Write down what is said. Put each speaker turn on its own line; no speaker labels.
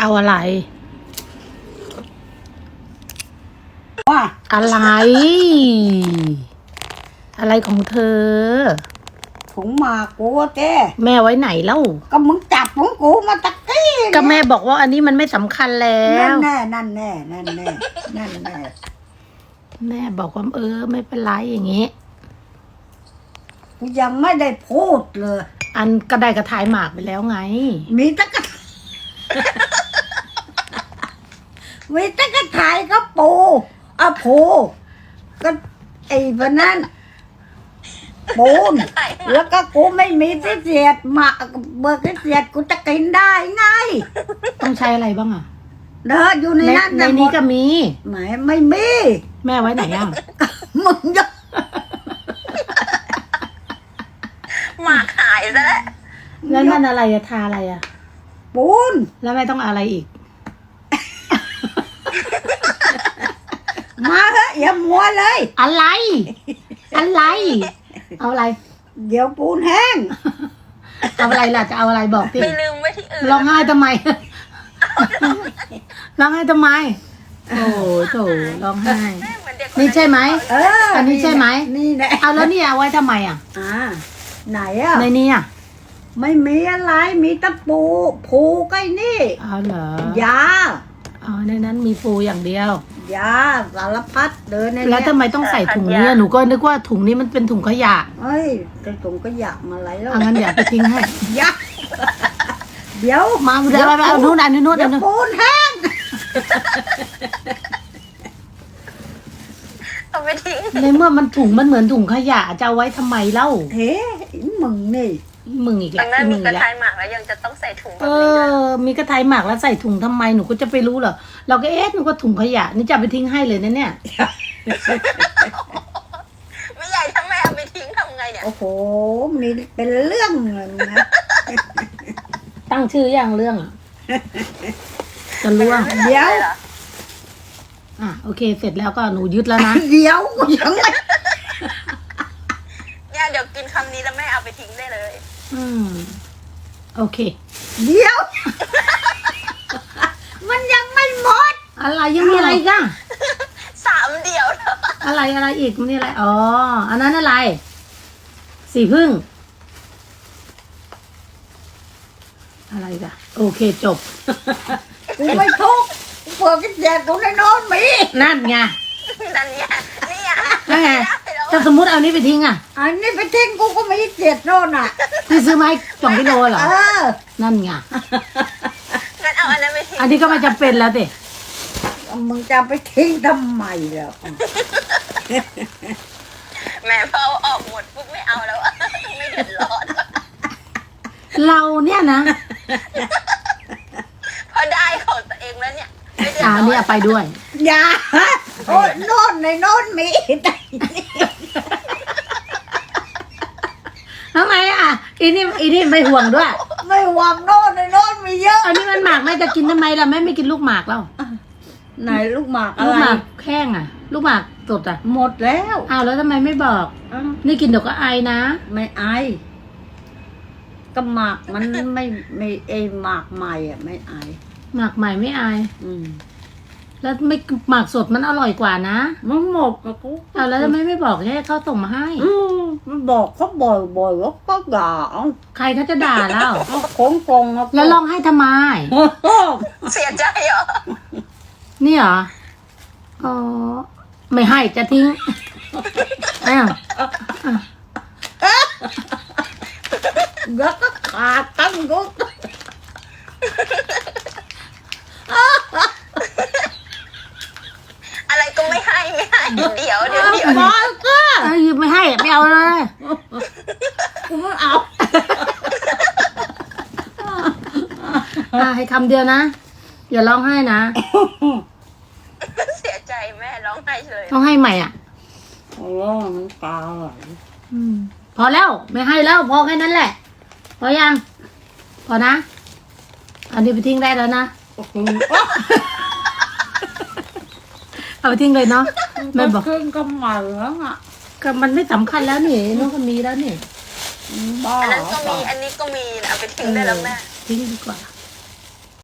เอาอะไร
ว่า
อะไร อะไรของเธอ
ถุงหมากกูอะแก
แม่ไว้ไหนเล่า
ก็มึงจับของกูมาตะกี้
ก็แม่บอกว่าอันนี้มันไม่สำคัญแล้
นั่น
ว
แน่นั่นแน่นั่นแน่นั่นแน่
แม่บอกว่าไม่เป็นไรอย่างงี้
กูยังไม่ได้พูดเลย
อันก็ได้กระถายหมากไปแล้วไง
มีตะกะ มีตะกะถ่ายก็ปูอะผูก็ไอ้วันนั้นปูนแล้วก็กูไม่มีที่เสียดหมากเบิกที่เสียดกูจะกินได้ไง
ต้องใช้อะไรบ้างอ่ะ
เด้ออยู่ในนั้น
ในนี้ก็มี
ไม่มี
แม่ไว้ไหนอ่ะ
มึงจะ
หมากหายซะแล้ว
แล้วนั่นอะไรอะทาอะไรอะ
ปูน
แล้วแม่ต้องอะไรอีก
มาเถอะอย่ามัวเลย
อะไร อะไร เอาอะไร
เดี๋ยวปูนแห้ง
เอาอะไรล่ะจะเอาอะไรบอกสิ
ไปลืมไว้ที่อื่น
ร้องไห้ทำไม ร้องไห้ทำไม โอ้โถร้องไห้
เหมือนเด็ก
นี่ใช่ไหม
อั
นนี้ใช่ไหม
นี่แหละ
เอาแล้วนี่เอาไว้ทำไมอ่ะ
ไหนอ่ะ
ในนี้อ่ะ
ไม่มีอะไรมีตะปูผูใกล้นี่
เอาเหรอย
า
อ๋อในนั้นมีปูอย่างเดียว
ยาสารพัดเดินใน
แล้ว
เนี้
ทำไมต้องใส่ถุงนี้อะหนูก็นึกว่าถุงนี้มันเป็นถุงขยะ
เฮ้ยกระตรงก็อยากมาไหลแล้ว
เอางั้นเดี๋ยวไปทิ้งให้
ยาเดี๋ยว
มาเดี๋ยวไปเอานู่นอันนี้นู่น
เดี๋
อั
ย
น
ว
นู้น
ปูนแห้ง
เอาไปทิ้ง
ในเมื่อมันถุงมันเหมือนถุงขยะจะเอาไว้ทำไมเล่า
เฮ้มึงนี่
มึงอีก
ดั
แล้ว
งนั้น
มึ
มี
ง
ก
อี
ระ
กแล้ว
ทายหมากแล้วยังจะต้องใส่ถุงแบ
เอบ
นี้ด้วย
มีกระทายหมากแล้วใส่ถุงทำไมหนูก็จะไปรู้เหรอเราก็นึกว่าถุงขยะนี่จะเอาไปทิ้งให้เลยนะเนี่ย
ไม่ใหญ่ถ้าแม่เอาไปทิ้งทำไงเนี่ย
โอ้โหมีเป็นเรื่องเลยนะ
ตั้งชื่ออย่างเรื่องอ่ะจะล่วง
เดี๋ยว
หรอ
อ่ะโอเค เสร็จแล้วก็หนูยึดแล้วนะ
เดี๋ยวกูยังไม่
เนี่ยเดี๋ยวกินคำนี้แล้วแม่เอาไปทิ้งได้เลย
อืมโอเค
เดี๋ยว มันยังไม่หมด
อะไรยังมีอะไรอีกัน
3 เดียวแล้ว
อะไรอีกมันนี่อะไรอ๋ออันนั้นอะไรสีพึ่งอะไรกันโอเคจบ
กูไม่ทุกข์กูเปิดกิจการกูในนอนมี
นั่นไง
นั่นเนี่ยนี่อ่ะ
นั่นไง
ม่ด้แล้ว
ถ้าสมมติเอานี้ไปทิ้งอ่ะ
อันนี้ไปทิ้งกูก็มีเจ็ดโน่นอ่ะ
ที่ซื้อมาให้2 กิโลเหรอ
เออ
นั่นไง
งั้นเอาอันนั้นไปทิ้ง
อันนี้ก็ไม่จำเป็นแล้วเด็
มึงจะไปทิ้งทำไมล่ะ
แม่พอเอาออกหมดปุ๊บไม่เอาแล้วอะไม่เดือดร้อน
เราเนี่ยนะ
พอได้ของตัวเองแล้วเนี่ยไม่เดือด
อ่า
ร้อน
นี่เอาไปด้วย
อย่าโอ้ยโน่นในโน่นมี
ทำไมอ่ะอีนี่ไม่ห่วงด้วย
ไม่หวังโน่นในโน่นมีเยอะ
อันนี้มันหมากแม่จะกินทำไมล่ะแม่ไม่กินลูกหมากแล้ว
ไหนลูกหมากอะ
ลูก
ไร
หมากแข้งอ่ะ ลูกหมากสดอ่ะ
หมดแล้ว
อ้าวแล้วทำไมไม่บอก
อ้าว
นี่กินเดี๋ยวก็ไอนะ
ไม่ไอก็หมากมันไม่ไอหมากใหม่อ่ะไม่ไอ
หมากใหม่ไม่ไอ
อืม
แล้วไม่หมากสดมันอร่อยกว่านะ
มันหมดกับกู
อ้าวแล้วทำไมไม่บอกให้เขาส่งมาให้
มันบอกเขาบ่อยว่าก็ด่าเอา
ใครเขาจะด่าเล่า
เอาโกงโกงเอา
แล้วร้องให้ทำไม
เสียใจเหรอ
นี่เหรออ๋อไม่ให้จะทิ้งอ้าว
แล้วก็ขาดตั้งกู
อะไรก็ไม่ให้เดี๋ยว
บอกก็
เอ้ยไม่ให้ไม่เอาเลย
กูไม่เอา
ให้คำเดียวนะ อย่าร้องไห้นะ
เสียใจแม่ร้องไห้เลย
ต้องให้ใหม่อ่ะ
โอ้มันตาไหล
พอแล้วไม่ให้แล้วพอแค่นั้นแหละ พอยัง พอนะ อันนี้ไปทิ้งได้แล้วนะ เอาไปทิ้งเลยเนาะแม่บอก
ขึ้นก็ใหม่แล้วอ่ะ
ก็มันไม่สำคัญแล้วนี่น้องก็มีแล้วนี่
บ้า
อันนั้นก็มีอันนี้ก็มีเอาไปทิ้งได้แล้วแม่
ทิ้งดีกว่า